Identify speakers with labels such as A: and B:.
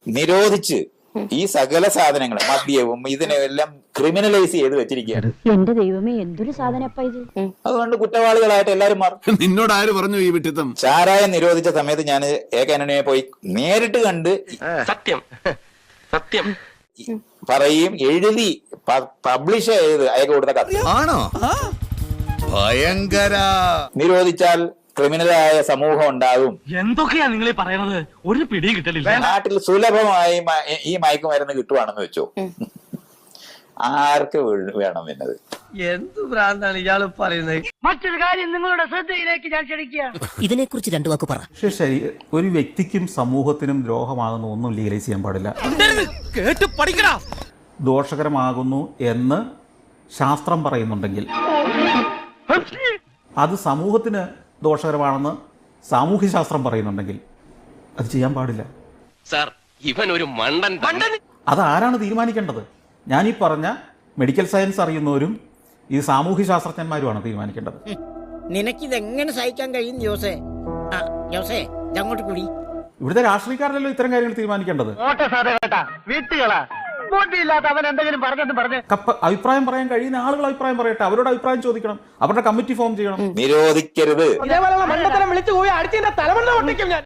A: നിരോധിച്ച് ഈ സകല സാധനങ്ങളും മദ്യവും ഇതിനെല്ലാം ക്രിമിനലൈസ് ചെയ്ത് വെച്ചിരിക്കുകയാണ്.
B: എന്റെ ദൈവമേ, എന്തൊരു സാധനപ്പ ഇത്.
A: അതുകൊണ്ട് കുറ്റവാളികളായിട്ട് എല്ലാരും മാറും.
C: നിന്നോട് ആര് പറഞ്ഞു ഈ വിട്ടിത്തം?
A: ചാരായം നിരോധിച്ച സമയത്ത് ഞാൻ ഏകാനനെ പോയി നേരിട്ട് കണ്ട്
D: സത്യം സത്യം
A: പറയും, എഴുതി പബ്ലിഷ് ചെയ്ത് അയക്ക് കൊടുത്ത കഥ.
C: ആണോ? ഭയങ്കര.
A: നിരോധിച്ചാൽ ക്രിമിനലായ സമൂഹം ഉണ്ടാകും.
D: എന്തൊക്കെയാ നിങ്ങൾ പറയുന്നത്? ഒരു പിടിയും കിട്ടലില്ല.
A: നാട്ടിൽ സുലഭമായി ഈ മയക്കുമരുന്ന് കിട്ടുവാണെന്ന് വെച്ചോ, ആർക്ക് വേണം എന്നത്?
E: എന്ത് ഭ്രാന്താണ് ഇയാള് പറയുന്നത്?
F: മറ്റൊരു കാര്യം നിങ്ങളുടെ ശ്രദ്ധയിലേക്ക് ഞാൻ ക്ഷണിക്കുക.
G: ഇതിനെക്കുറിച്ച് രണ്ടു വാക്ക് പറ.
H: പക്ഷേ ഒരു വ്യക്തിക്കും സമൂഹത്തിനും ദ്രോഹമാകുന്ന ഒന്നും ലീഗലൈസ് ചെയ്യാൻ പാടില്ല. ദോഷകരമാകുന്നു എന്ന് ശാസ്ത്രം പറയുന്നുണ്ടെങ്കിൽ അത് സമൂഹത്തിന് ദോഷകരമാണെന്ന് സാമൂഹ്യശാസ്ത്രം പറയുന്നുണ്ടെങ്കിൽ അത് ചെയ്യാൻ പാടില്ല.
D: സാർ, ഇവൻ ഒരു മണ്ടൻ.
H: അത് ആരാണ് തീരുമാനിക്കേണ്ടത്? ഞാനീ പറഞ്ഞ മെഡിക്കൽ സയൻസ് അറിയുന്നവരും ഈ സാമൂഹ്യ ശാസ്ത്രജ്ഞന്മാരുമാണ് തീരുമാനിക്കേണ്ടത്.
G: നിനക്കിതെങ്ങനെ സഹിക്കാൻ കഴിയും ജോസേ? ജോസേ, അങ്ങോട്ട് കൂടി.
H: ഇവിടുത്തെ രാഷ്ട്രീയക്കാരല്ലോ ഇത്തരം കാര്യങ്ങൾ തീരുമാനിക്കേണ്ടത്.
F: അവൻ എന്തെങ്കിലും പറഞ്ഞെന്ന് പറഞ്ഞ്
H: അഭിപ്രായം പറയാൻ കഴിയുന്ന ആളുകൾ അഭിപ്രായം പറയട്ടെ, അവരോട് അഭിപ്രായം ചോദിക്കണം, അവരുടെ കമ്മിറ്റി ഫോം ചെയ്യണം.
A: നിരോധിക്കരുത്.
F: ഇതേപോലെയുള്ള മണ്ടത്തരം വിളിച്ചു പോയി അടിച്ചതിന്റെ തലമണ്ട പൊട്ടിക്കും ഞാൻ.